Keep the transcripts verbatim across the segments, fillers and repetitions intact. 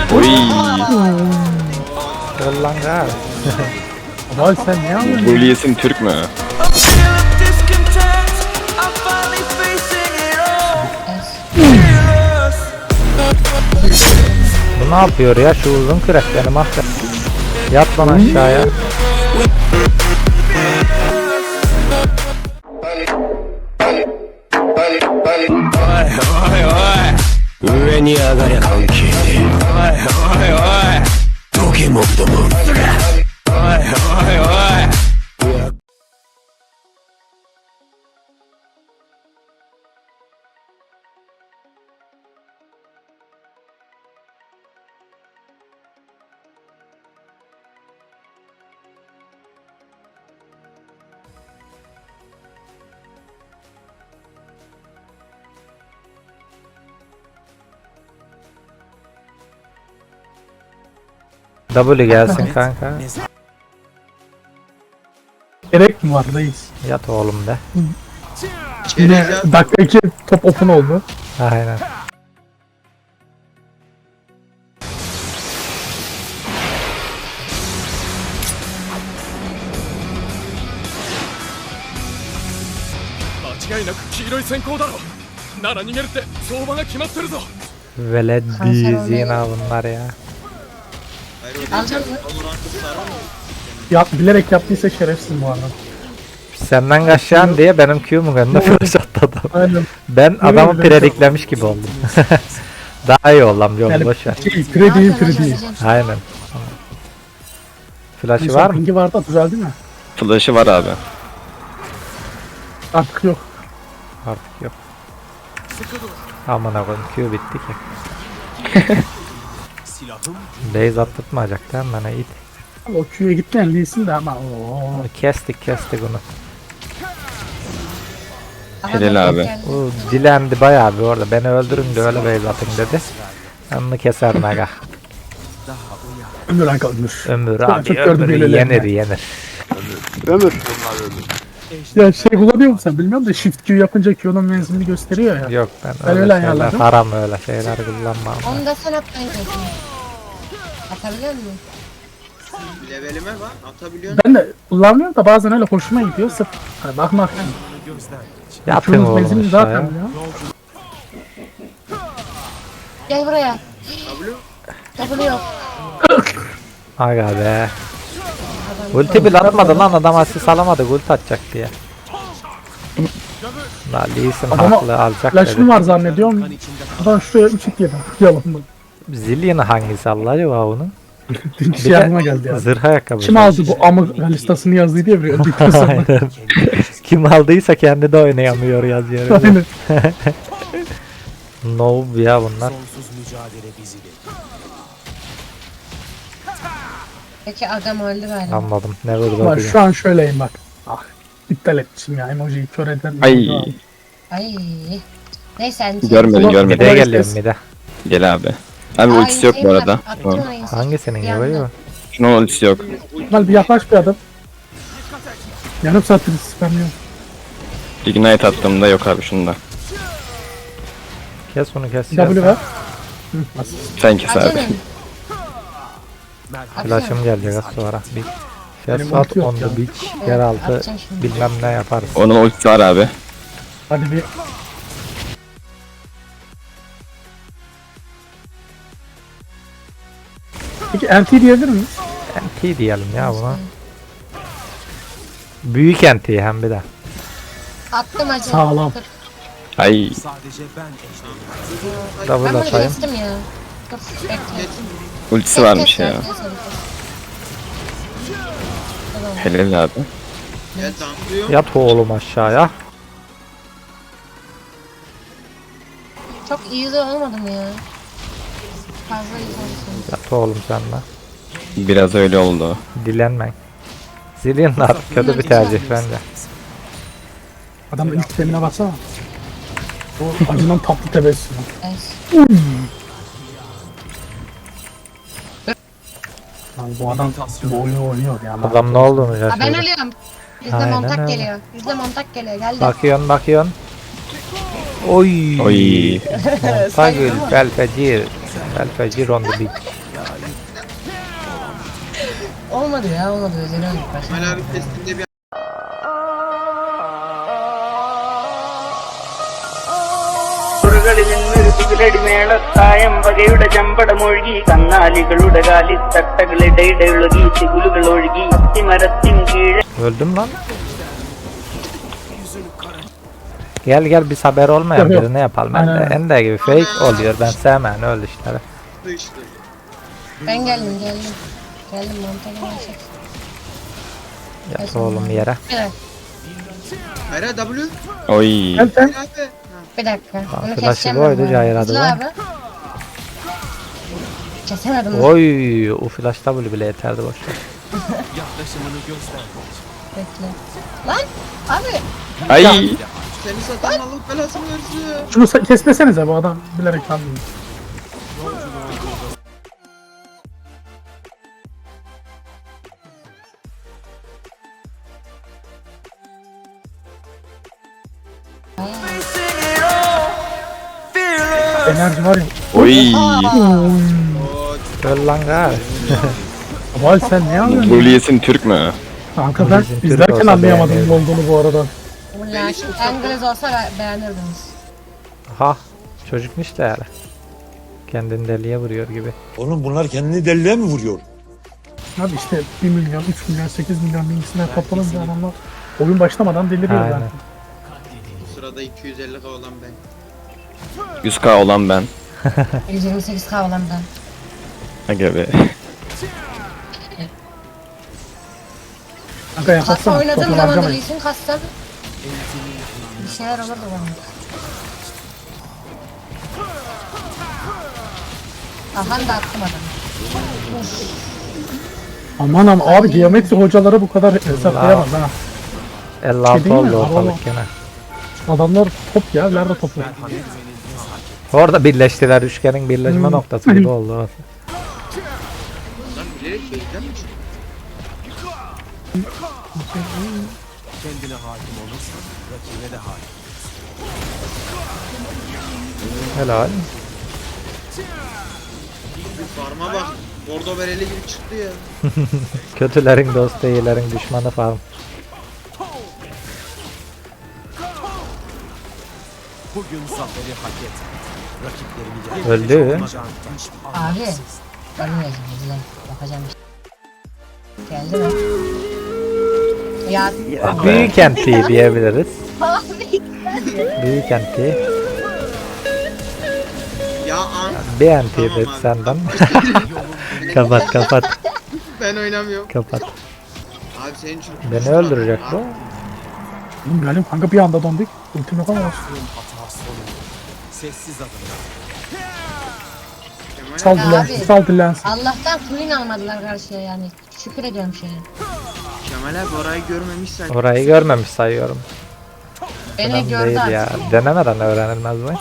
Oy. Ulan gal. Vay sen ne yapıyorsun? Bu Lee'sin Türk mü? Bu ne yapıyor ya şu uzun kürek beni mahvet. Yat lan aşağıya. 上に上がりゃ関係ねえ。おいおいおいどけもっともんすがおいおいおい W gelsin kanka. Gerek mi var reis? Yat oğlum de. Yine dakika iki top open oldu. Aynen. Veledi zina bunlar ya. Alacağım mı? Ya bilerek yaptıysa şerefsiz bu arada. Senden kaçacağım diye benim Q'mu önüne flash attı adam. Aynen. Ben adamı Yemin ederim. prediklemiş gibi oldum. Daha iyi ol lan yol Yani boşver. şey, pre değil pre değil. Aynen. Flash'ı Mesela var mı? pingi vardı düzeldi mi? Flash'ı var abi. Artık yok. Artık yok. Aman koyayım Q bitti ki. Base attırtmayacak değil mi bana it? Ama o Q'ya gitmeyen değilsin de ama ooo. Kestik kestik onu. Helal abi. O dilendi bayağı bir orada. Beni öldürün de öyle base atın dedi. Onu keser naga. Ömür Anka ömür. Ömür Çok- abi çok gördüm ömür böylelerini. yenir yenir. Ömür. Ya şey kullanıyor musun sen bilmiyorum da shift Q yapınca Q'nun menzilini gösteriyor ya. Yok ben, Ben öyle öyle şeyler ayarladım. haram öyle şeyler kullanmam. Onu da sen at ben yapayım. Atabiliyor musun? Levelime bak atabiliyorsun. Ben de kullanmıyorum da bazen öyle hoşuma gidiyor sırf hani bakmak. Yapın Q'nun oğlum menzilini zaten aşağıya. ya. Gel buraya. W yok. Aga be. Ulti bile atmadı lan adam asist alamadı ulti atacak diye. La Lee Sin Adama haklı alacak Flash'ım dedi. var zannediyorum. Adam şuraya üç iki yedi. Yalan mı? Zillion hangisi Allah acaba onun? Bir şey aklıma geldi ya. Zırh ayakkabı. Kim aldı bu amık listasını yazdı diye bir öldükten sonra. Aynen. Kim aldıysa kendi de oynayamıyor yazıyor. Aynen. Noob ya bunlar. Peki adam öldü galiba. Anladım. Ne vurdu Bak o şu an şöyleyim bak. Ah iptal etmişim ya emojiyi kör eden. Ay. Ay. Neyse hani. Görmedim Ulan- görmedim. Mid'e Kolay geliyorum gelsin. mid'e. Gel abi. Abi ultisi yok bu arada. Tamam. Hangisinin gibi? Şunun ultisi yok. Mal bir yaklaş bir adam. Yarım saattir spamlıyorum. Ignite attığımda yok abi şunda. Kes onu kes. W ver. Hı, nasıl? Sen kes abi. Acele. Flash'ım gelecek az sonra. Bir Benim Ses at ulti yok on ya. the beach. Yeraltı Atacağım şimdi. bilmem ne yaparız. Onun ultisi var abi. Hadi bir. Peki N T diyebilir miyiz? N T diyelim ya buna. Büyük N T hem bir de. Attım acele. Sağlam. Dur. Ay. Ben Double bunu atayım. kestim ya. Dur bekle. Ultisi Kes, varmış kes, ya. kes, kes, kes. Tamam. Helal abi. Ya damlıyor. Yat oğlum aşağıya. Çok iyi de olmadı mı ya? Fazla iyi olsun. Yat oğlum sen de. Biraz öyle oldu. Dilenmeyin. Zillion da artık kötü bir tercih bence. Adamın ilk temine baksana. O acından tatlı tebessüm. Evet. Lan bu adam bu oyunu oynuyor ya. Adam ne olduğunu Aa, ben şaşırdı. ölüyorum. Bizde Aynen montak öyle. geliyor. Bizde montak geliyor. Geldi. Bakıyorsun bakıyorsun. Oy. Oy. Montagül, Belfecir. Belfecir on the beach. olmadı ya olmadı. Özeri öldük başta. Kemal abi testinde bir മേളത്തായം വകയുടെ ചമ്പടമൊഴുകി കന്നാലികളുടെ കാലിത്തട്ടകളിടയിടൊഴുകി തികുലുകൾ ഒഴുകി അത്തിമരത്തിൻ കീഴെ. Öldüm lan. Gel gel biz haber olmayan Yok, yok. birini yapalım. Ben de Aynen. Ende gibi fake oluyor. Ben sevmem öyle işleri. sıçtı. Ben geldim geldim. Geldim mantıklı bir şey. Yat oğlum yere. Bir dakika. Hayır W. Oy. Gel sen. Abi. Ha. Bir dakika. Bunu flaşı keseceğim koydu, ben bu Cahir arada. adı Hızlı var. abi. Kesemedim. Oy, o flash W bile yeterdi boşver. Bekle. Lan abi. Ay. Seni satan Allah belasını versin. Şunu sa- kesmesenize bu adam bilerek kaldı. Enerji var ya. Oy. Öl lan gari. Vay sen ne anlıyorsun? Luliyes'in Türk mü? Kanka ben Bizim Türk izlerken olsa anlayamadım beğenirdim. ne olduğunu bu arada. Ulan İngiliz olsa be- beğenirdiniz. Ha, çocukmuş da yani. Kendini deliye vuruyor gibi. Oğlum bunlar kendini deliye mi vuruyor? Abi işte bir milyon, üç milyon, sekiz milyon bilgisine toplanınca adamlar oyun başlamadan deliriyor Aynen. zaten. Bu sırada iki yüz elli K olan ben. yüz K olan ben. yüz yirmi sekiz K olan ben. Aga be. Kanka Kasa yaparsana. oynadığım Toplam zaman da harcamayın. iyisin kassa. Bir şeyler olurdu bana. Aha da attım adamı. Aman aman abi geometri hocaları bu kadar hesaplayamaz ha. elli altı Şey değil mi? oldu Araba. ortalık gene. Adamlar top ya, nerede topu? Orada birleştiler, üçgenin birleşme Hmm. noktası gibi oldu orası. Lan bilerek şeyden mi çıktı? Helal. Bir farma bak. Bordo bereli gibi çıktı ya. Kötülerin dostu, iyilerin düşmanı falan. Öldü. Abi. Ölmeyeceğim izle. Yapacağım bir şey. Geldi mi? Ya. Büyük enti diyebiliriz. Büyük enti. Ya an. Bir enti Tamam dedi abi. senden. Kapat kapat Ben oynamıyorum. kapat. Abi senin için. Beni öldürecek bu. Oğlum gelin kanka bir anda döndük. Ultim yok ama olsun. Sal Ya dilensin, abi. sal dilensin. Allah'tan queen almadılar karşıya yani. Şükür ediyorum şeye. Kemal abi orayı görmemişsen. Orayı görmemiş sayıyorum. Beni Önemli gördü değil artık. ya. Denemeden öğrenilmez mi?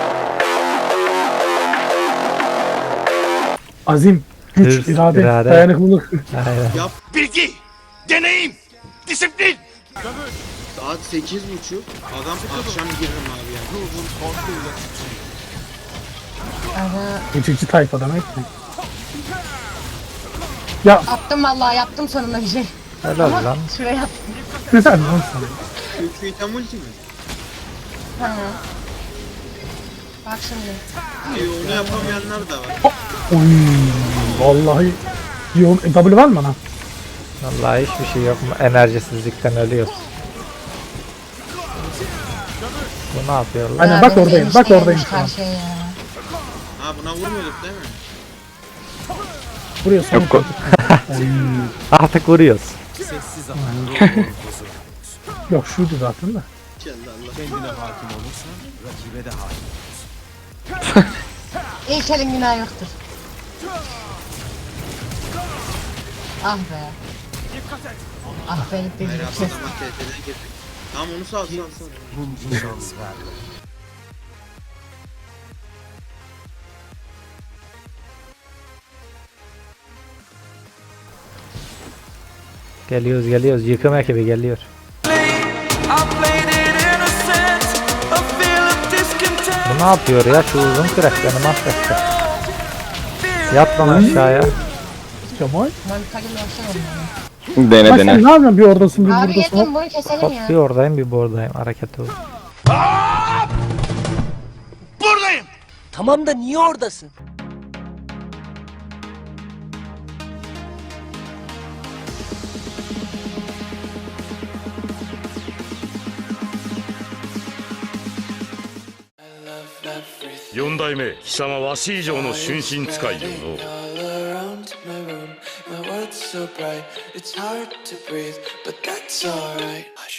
Azim, güç, Hırs, irade, irade. dayanıklılık. Aynen. Bilgi, deneyim, disiplin. Saat sekiz buçuk. Adam akşam giririm abi ya. Aha, Geçici tayfa demek ki. Ya attım vallahi yaptım sonunda bir şey. Helal lan. Şuraya attım. güzel lan sana. Şu item ulti mi? Ha. Bak şimdi. İyi onu yapamayanlar da var. Oy, vallahi. Yoğun, e, W var mı bana? Vallahi hiçbir şey yok. Enerjisizlikten ölüyoruz. Bu ne yapıyor lan? Aynen, Ya bak benim oradayım, enişte bak gelmiş oradayım şu an. karşıya ya. Ha buna vurmuyorduk değil mi? Buraya son Yok. Artık vuruyoruz. Yok şuydu zaten de. Allah. İlk elin günah yoktur. Ah be. Ah be gitti. Hayır gitti. adama T T'den girdik. Tamam onu sal sal sal. Geliyoruz geliyoruz. Yıkım ekibi geliyor. Bu ne yapıyor ya? Şu uzun kürek beni mahvetti. Yat lan aşağıya. Kemal. Ben bir kagil versene Dene Bak sen dene. ne yapıyorsun bir oradasın bir onu. Abi buradasın. yedim bunu keselim Hop ya. bir oradayım bir buradayım hareketi o. Buradayım. Tamam da niye oradasın? 四代目貴様わし以上の春心使いよの My world's so bright, it's hard to breathe, but that's alright. Hush.